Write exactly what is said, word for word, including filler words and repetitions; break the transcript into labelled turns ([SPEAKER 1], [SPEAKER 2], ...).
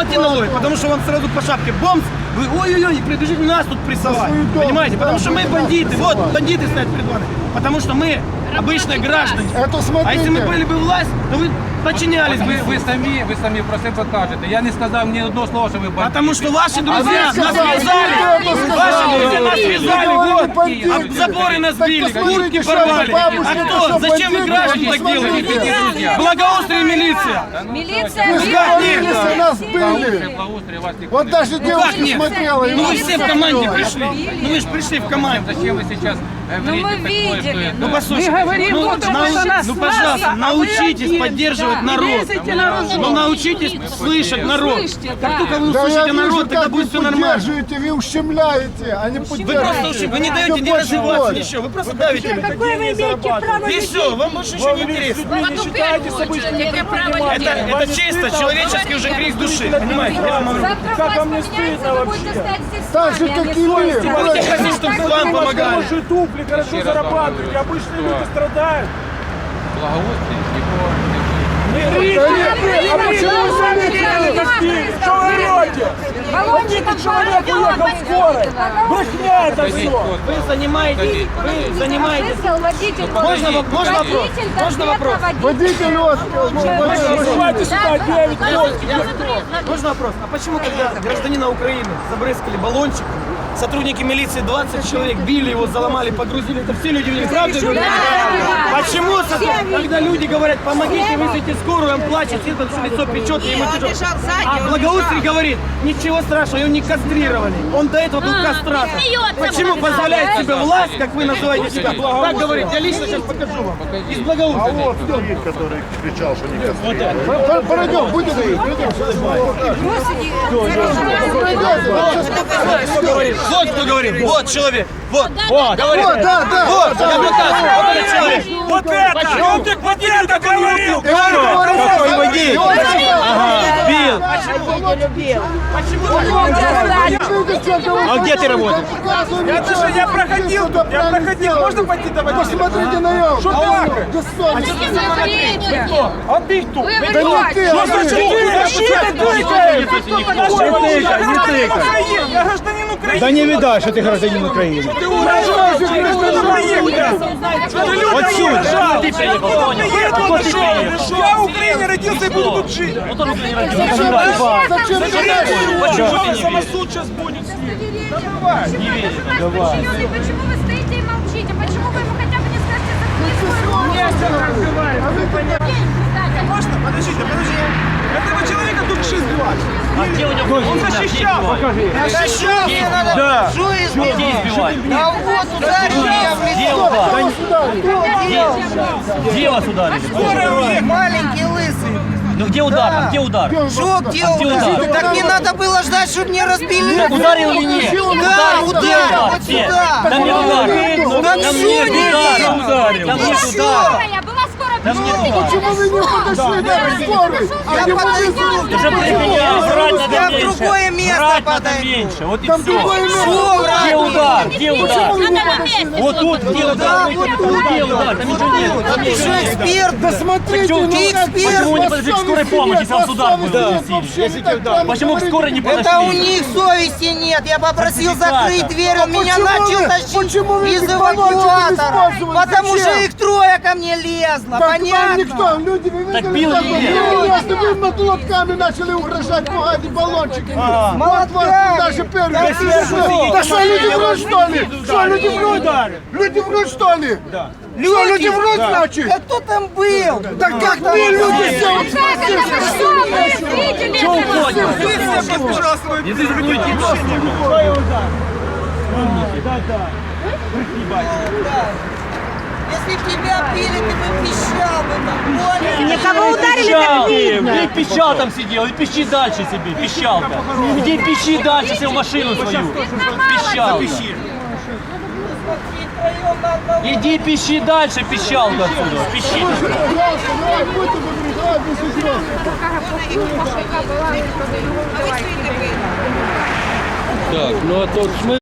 [SPEAKER 1] платить налоги, потому что вам сразу по шапке бомб, вы ой-ой-ой, прибежите нас тут прессовать. Понимаете? Потому что мы бандиты, вот бандиты стоят перед вами. Потому что мы обычные граждане. А если мы были бы власть, то вы подчинялись бы.
[SPEAKER 2] Ви, ви, самі, ви самі про себе кажете. Я не сказав ні одного слова, що ви бандити.
[SPEAKER 1] Потому что ваши друзья нас связали. Ваши друзья нас связали, вот. А заборы нас били, куртки порвали. А кто? Зачем вы граждан так делаете? Благоустрие милиция.
[SPEAKER 3] Милиция,
[SPEAKER 4] Милиция нас были.
[SPEAKER 2] Благоустрій вас ніхто
[SPEAKER 4] Вот
[SPEAKER 2] не
[SPEAKER 4] даже
[SPEAKER 1] Как
[SPEAKER 4] девушка
[SPEAKER 1] нет?
[SPEAKER 4] смотрела.
[SPEAKER 1] Ну вы все в команде пришли. Ну вы же пришли в команду.
[SPEAKER 2] Зачем вы сейчас
[SPEAKER 3] Ну, мы
[SPEAKER 2] говорите такое, что
[SPEAKER 3] видели.
[SPEAKER 2] это...
[SPEAKER 1] Ну послушайте, ну, нау- ну пожалуйста, научитесь поддерживать народ. Ну научитесь слышать народ. Как только вы
[SPEAKER 4] Да я
[SPEAKER 1] услышите
[SPEAKER 4] вижу,
[SPEAKER 1] народ, тогда
[SPEAKER 4] как вы
[SPEAKER 1] будет все нормально.
[SPEAKER 4] поддерживаете, вы ущемляете, а не
[SPEAKER 1] Вы просто
[SPEAKER 4] поддерживаете.
[SPEAKER 1] ущем- вы не даете
[SPEAKER 4] Всё
[SPEAKER 1] не
[SPEAKER 4] больше
[SPEAKER 1] развиваться,
[SPEAKER 4] боли.
[SPEAKER 1] ничего, вы просто давите.
[SPEAKER 5] Какое вы имеете право?
[SPEAKER 1] И все, вам больше ничего не интересно.
[SPEAKER 3] Вот в первую очередь, это право
[SPEAKER 1] Это,
[SPEAKER 3] людей.
[SPEAKER 1] это чисто человеческий уже крик души, понимаете? Я вам говорю.
[SPEAKER 3] Завтра власть поменяется, вы будете стоять здесь
[SPEAKER 4] Так же,
[SPEAKER 3] сами, а
[SPEAKER 4] как
[SPEAKER 3] не
[SPEAKER 4] и вы.
[SPEAKER 3] совестью.
[SPEAKER 1] Будете хотеть, чтобы вам помогали.
[SPEAKER 5] Хорошие туфли, хорошо зарабатываете, обычные люди страдают.
[SPEAKER 2] Благоустрій нікого не
[SPEAKER 5] А почему вы сами не такие? Что вы орете? Побитый человек уехал в скорой. Брехня это все.
[SPEAKER 1] Вы занимаетесь, вы занимаетесь.
[SPEAKER 3] Вызвал водитель.
[SPEAKER 1] Можно, воп- можно вопрос?
[SPEAKER 3] Водитель
[SPEAKER 1] Можно вопрос?
[SPEAKER 4] Водитель вот.
[SPEAKER 5] Вызывайте сюда девять
[SPEAKER 1] Можно вопрос? А почему, когда гражданина Украины забрызгали баллончиком, сотрудники милиции двадцать человек били его, заломали, погрузили, это все люди видели, правда? говорят? Почему, со- когда люди говорят, помогите, вызовите скорую, он плачет, это все лицо печет, и ему тяжело. А Благоустрий говорит, ничего страшного, его не кастрировали, он до этого был кастратор. Почему позволяет себе власть, как вы называете себя, так говорит, я лично сейчас покажу вам, из Благоустрия.
[SPEAKER 4] Который кричал, что не кастрировали. Пройдем, будем говорить.
[SPEAKER 1] Кто говорит? Вот кто говорит, вот человек, вот,
[SPEAKER 4] Вот,
[SPEAKER 1] говорит.
[SPEAKER 4] вот, да, да.
[SPEAKER 1] Вот, я показываю, вот этот человек.
[SPEAKER 5] Вот это! Он так вот это говорил!
[SPEAKER 1] Какой водитель? Бил.
[SPEAKER 4] А где ты работаешь?
[SPEAKER 5] Я даже, я проходил тут, я проходил. Можно пойти давать?
[SPEAKER 4] Посмотрите на него.
[SPEAKER 5] Что так? А ты кто?
[SPEAKER 3] Вы
[SPEAKER 4] Да не
[SPEAKER 3] врете.
[SPEAKER 4] ты,
[SPEAKER 5] Что
[SPEAKER 4] а
[SPEAKER 5] значит
[SPEAKER 4] ты.
[SPEAKER 5] ты? Защита тыкаешь!
[SPEAKER 4] Не тыкай.
[SPEAKER 5] Я гражданин Украины!
[SPEAKER 6] Да не видать, что ты гражданин Украины.
[SPEAKER 5] Ты угрожаешь гражданину Украины! Вот сюда! Я в Украине родился и буду тут жить!
[SPEAKER 4] Зачем?
[SPEAKER 5] Самосуд сейчас будет с ним!
[SPEAKER 3] Давай. Почему вы стоите и молчите? Почему вы ему хотя бы не скажете,
[SPEAKER 5] Можно? Подождите, подождите. Этого человека тут шесть сбивать.
[SPEAKER 1] А где у него?
[SPEAKER 5] Он защищал. Защищал.
[SPEAKER 6] Да.
[SPEAKER 1] Где избивать?
[SPEAKER 5] Да вот
[SPEAKER 1] Где удар? Где вас ударили?
[SPEAKER 5] Скорая уехала.
[SPEAKER 7] Маленький лысый.
[SPEAKER 1] Ну где удар? А где удар?
[SPEAKER 7] Шо, где удар? Так не надо было ждать, чтобы мне разбили.
[SPEAKER 1] Ударил или нет?
[SPEAKER 7] Да, удар, вот
[SPEAKER 1] Нет.
[SPEAKER 7] сюда.
[SPEAKER 1] Там не удар.
[SPEAKER 7] Да
[SPEAKER 1] Там
[SPEAKER 7] шо
[SPEAKER 1] нет
[SPEAKER 7] не
[SPEAKER 1] удара.
[SPEAKER 7] видно?
[SPEAKER 1] Там
[SPEAKER 7] Ну
[SPEAKER 1] нет
[SPEAKER 7] шо?
[SPEAKER 1] удара.
[SPEAKER 3] Я была скоро
[SPEAKER 1] Там нет удара.
[SPEAKER 4] Почему вы не подошли до скорой? А не
[SPEAKER 7] подойду.
[SPEAKER 1] Уже применял, врать надо
[SPEAKER 7] Я в
[SPEAKER 1] меньше.
[SPEAKER 7] другое место
[SPEAKER 1] Врать надо
[SPEAKER 7] подойду.
[SPEAKER 1] меньше, вот и
[SPEAKER 4] Там
[SPEAKER 1] все.
[SPEAKER 4] другое место.
[SPEAKER 7] Шо,
[SPEAKER 1] Где
[SPEAKER 7] брат?
[SPEAKER 1] удар? Где удар?
[SPEAKER 3] Надо вместе.
[SPEAKER 1] Вот тут, где удар? Где удар? Там ничего нет. Там
[SPEAKER 7] Ты
[SPEAKER 1] ничего
[SPEAKER 7] же
[SPEAKER 1] нет.
[SPEAKER 7] эксперт.
[SPEAKER 4] Да смотрите,
[SPEAKER 7] Ты
[SPEAKER 4] ну как
[SPEAKER 7] эксперт.
[SPEAKER 1] Почему не подошли к скорой помощи, если вам сюда будет
[SPEAKER 4] будет?
[SPEAKER 1] Почему к скорой не подошли?
[SPEAKER 7] Это у них совести нет. Я попросил
[SPEAKER 1] Сертификата.
[SPEAKER 7] закрыть дверь, он меня
[SPEAKER 4] почему
[SPEAKER 7] начал
[SPEAKER 4] вы-
[SPEAKER 7] тащить
[SPEAKER 4] почему вы
[SPEAKER 7] из
[SPEAKER 4] эти баллончики не
[SPEAKER 7] эвакуатора.
[SPEAKER 4] использовали?
[SPEAKER 7] Потому
[SPEAKER 4] Зачем?
[SPEAKER 7] что их трое ко мне лезло.
[SPEAKER 4] Так вам
[SPEAKER 7] Понятно?
[SPEAKER 4] никто, люди, вы
[SPEAKER 1] Так
[SPEAKER 4] видели,
[SPEAKER 1] бил
[SPEAKER 4] как
[SPEAKER 1] или
[SPEAKER 4] вы
[SPEAKER 1] нет?
[SPEAKER 4] били, если вы над лотками начали угрожать, пугать баллончиками. Вот
[SPEAKER 7] Молотками.
[SPEAKER 4] вас даже первый. Да что, люди врут, что ли? Что, люди врут? Люди врут, что ли? Да. Что, люди врут, значит?
[SPEAKER 7] Да кто там был?
[SPEAKER 4] Да как мы, люди, все вот
[SPEAKER 3] Как это что? Вы видели
[SPEAKER 1] Что
[SPEAKER 3] этого?
[SPEAKER 1] уходим?
[SPEAKER 5] Пожалуйста,
[SPEAKER 1] Не дискутируйте.
[SPEAKER 7] Если б тебя пили, ты бы пищал бы там. Понял?
[SPEAKER 3] Кого ударили, так видно.
[SPEAKER 1] Где пищал там сидел? И пищи дальше себе, пищал там. Иди пищи дальше, себе в машину свою. Пищал. Иди пищи дальше, пищал отсюда. Пищи.
[SPEAKER 2] Так, ну а тут